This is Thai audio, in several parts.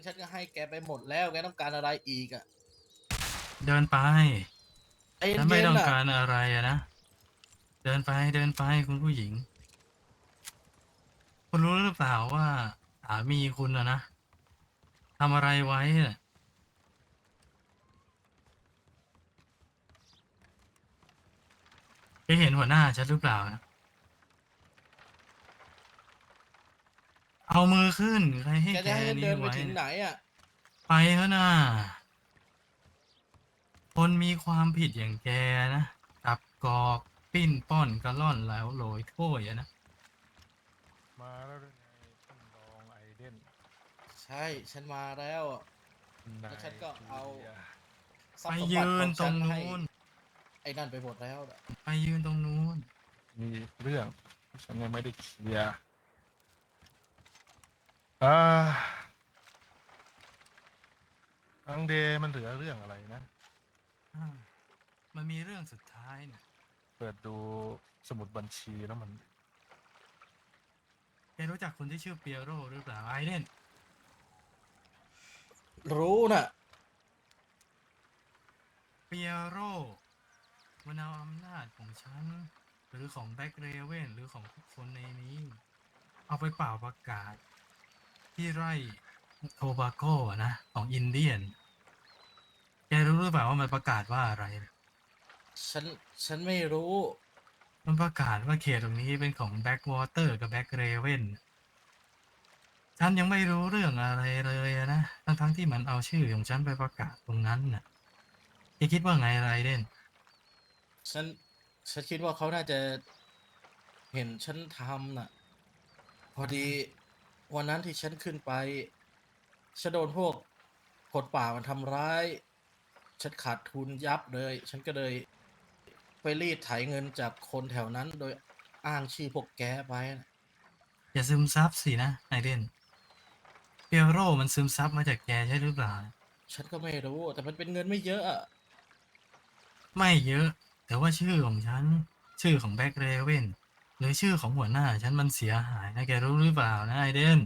ฉันก็ให้แกไปหมดแล้วแกต้องการอะไรอีกอ่ะเดินไปใจฉันไม่เย็นๆน่ะต้องการอะไรอะนะเดินไปเดินไปคุณผู้หญิงคุณรู้หรือเปล่าว่าสามีคุณนะทำอะไรไว้น่ะแกเห็นหัวหน้าฉันหรือเปล่านะเอามือขึ้นใครให้แกแกจะให้ฉันนี้เดินไปไว้น่ะถึงไหนอ่ะไปเถอะนะคนมีความผิดอย่างแกนะจับกอกปิ้นป้อนกระล่อนแล้วโรยโถ้วยอะนะมาแล้วหรือไงท่านรองไอเดนใช่ฉันมาแล้วอะนายแล้วฉันก็จูเอาเลียทรัไปพย์สมบัยืติของนตรงฉันให้นู้นไอ้นั่นไปหมดแล้วน่ะไปยืนตรงนู้นมีเรื่องฉันยังไม่ได้เคลียร์อ่าอังเดมันเหลือเรื่องอะไรนะอ่ามันมีเรื่องสุดท้ายเนี่ยเปิดดูสมุดบัญชีแล้วมันแกรู้จักคนที่ชื่อเปียโรหรือเปล่าไอเดนรู้น่ะเปียโรมันเอาอำนาจของฉันหรือของแบ็กเรเวนหรือของทุกคนในนี้เอาไปเป่าประกาศที่ไร่โทบาโกอะนะของอินเดียนแกรู้หรือเปล่าว่ามันประกาศว่าอะไรฉันฉันไม่รู้มันประกาศว่าเขตตรงนี้เป็นของแบ็กวอเตอร์กับแบ็กเรเวนฉันยังไม่รู้เรื่องอะไรเลยอะนะทั้งที่มันเอาชื่อของฉันไปประกาศตรงนั้นน่ะแกคิดว่าไงไรเดนฉันฉันคิดว่าเขาน่าจะเห็นฉันทำน่ะพอดีวันนั้นที่ฉันขึ้นไปฉันโดนพวกคนป่ามันทำร้ายฉันขาดทุนยับเลยฉันก็เลยไปรีดไถเงินจากคนแถวนั้นโดยอ้างชื่อพวกแกไปน่ะอย่าซึมซับสินะไอเดน เปียโรมันซึมซับมาจากแกใช่หรือเปล่าฉันก็ไม่รู้แต่มันเป็นเงินไม่เยอะอะไม่เยอะแต่ว่าชื่อของฉันชื่อของแบ็กเรเวนหรือชื่อของหัวหน้าฉันมันเสียหายนะแกรู้หรือเปล่านะไอเดน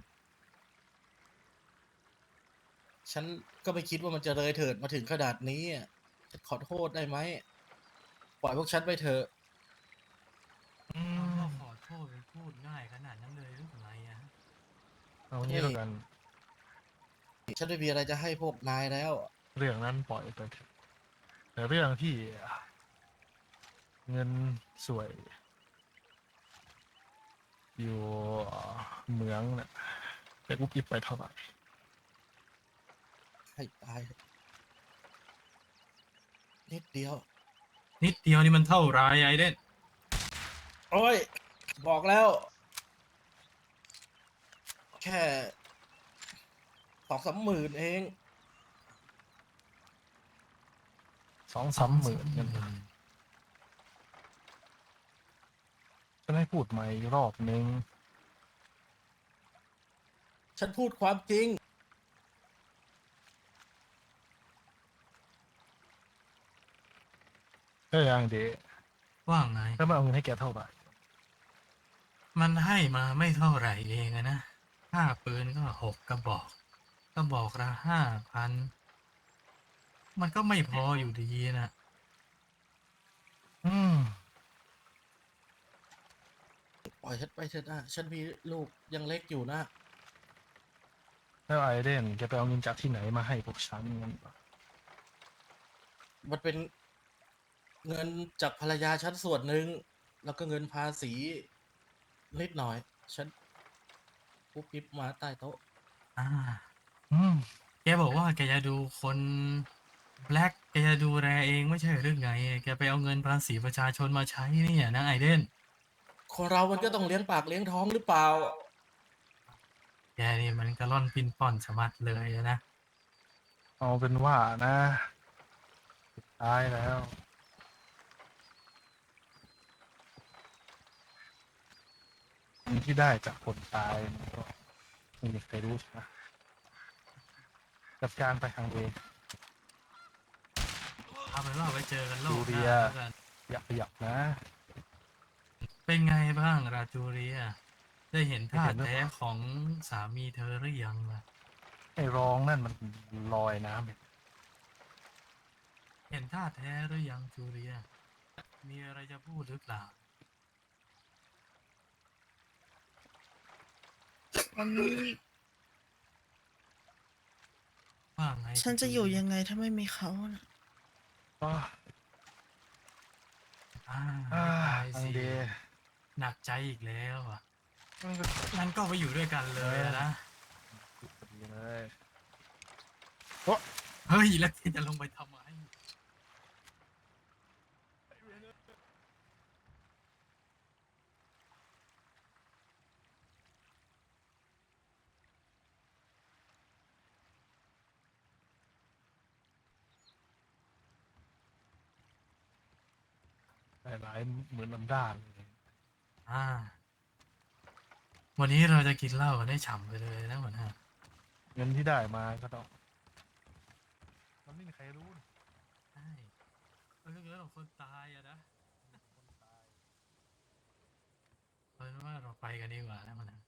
ฉันก็ไม่คิดว่ามันจะเลยเถิดมาถึงขนาดนี้อะฉันขอโทษได้ไหมปล่อยพวกฉันไปเถอะอืคำมว่าขอโทษมันพูดง่ายขนาดนั้นเลยหรือไงอะเอางี้เฮ้ยแล้วกันฉันไม่มีอะไรจะให้พวกนายแล้วเรื่องนั้นปล่อยไปเถอะแต่เรื่องที่เงินสวยอยู่เหมืองเนี่ยแต่กุ๊บกิ๊บไปเท่าไหร่ให้ตายนิดเดียวนิดเดียวนี่มันเท่าไรไอเดนโอ้ยบอกแล้วแค่2-3 หมื่นเองสองสสามหมื่นองสามหเงินมื่นฉันให้พูดใหม่อีกรอบนึงฉันพูดความจริงอังเดว่าไงแล้วมันเอาเงินให้แกเท่าไหร่มันให้มาไม่เท่าไหร่เองอะนะค่าปืนก็6 กระบอกกระบอกละ5,000มันก็ไม่พออยู่ดีนะอืมปล่อยฉันไปเถอะนะฉันมีลูกยังเล็กอยู่นะแล้วไอเดนแกไปเอาเงินจากที่ไหนมาให้พวกฉันเงินมันเป็นเงินจากภรรยาฉันส่วนหนึ่งแล้วก็เงินภาษีนิดหน่อยฉันปุ๊บปิ๊บมาใต้โต๊ะอ่าอืมแกบอกว่าแกจะดูคนแบล็กแกจะดูแลเองไม่ใช่หรือไงแกไปเอาเงินภาษีประชาชนมาใช้เนี่ยนะไอเดนคนเรามันก็ต้องเลี้ยงปากเลี้ยงท้องหรือเปล่าแกนี่มันกระล่อนปิ้นป้อนสะมัดเลยนะเอาเป็นว่านะตายแล้วเงินที่ได้จากคนตายมันก็ไม่มีใครรู้ใช่ไหมจัดการไปทางเดนเอาเป็นว่าไว้เจอกันโลจูกหน้าเรียแล้วกันอย่าขยับนะเป็นไงบ้างราจูเรียได้เห็นไม่ท่าแท้เห็นหรือเปล่าของสามีเธอหรือยังล่ะไอ้รองนั่นมันลอยน้ำไปเห็นท่าแท้หรือยังจูเลีย มีอะไรจะพูดหรือเปล่าวันนี้ว่าไงฉันจะอยู่ยังไงถ้าไม่มีเขานะอ้าไม่ตายอังสิเดหนักใจอีกแล้วอ่ะมันก็งั้นก็ไปอยู่ด้วยกันเลยอะนะดีเลยเฮ้ย แล้วแกจะลงไปทำไมหลายๆเหมือนลำด้านเลยอ่า วันนี้เราจะกินเหล้ากันได้ฉ่ำไปเลยนะหัวหน้าเงินที่ได้มาก็ต้อง มันไม่มีใครรู้นี่ใช่มันก็เรื่องของคนตายอะนะคนตายเอาเป็นว่าเราไปกันดีกว่านะหัวหน้า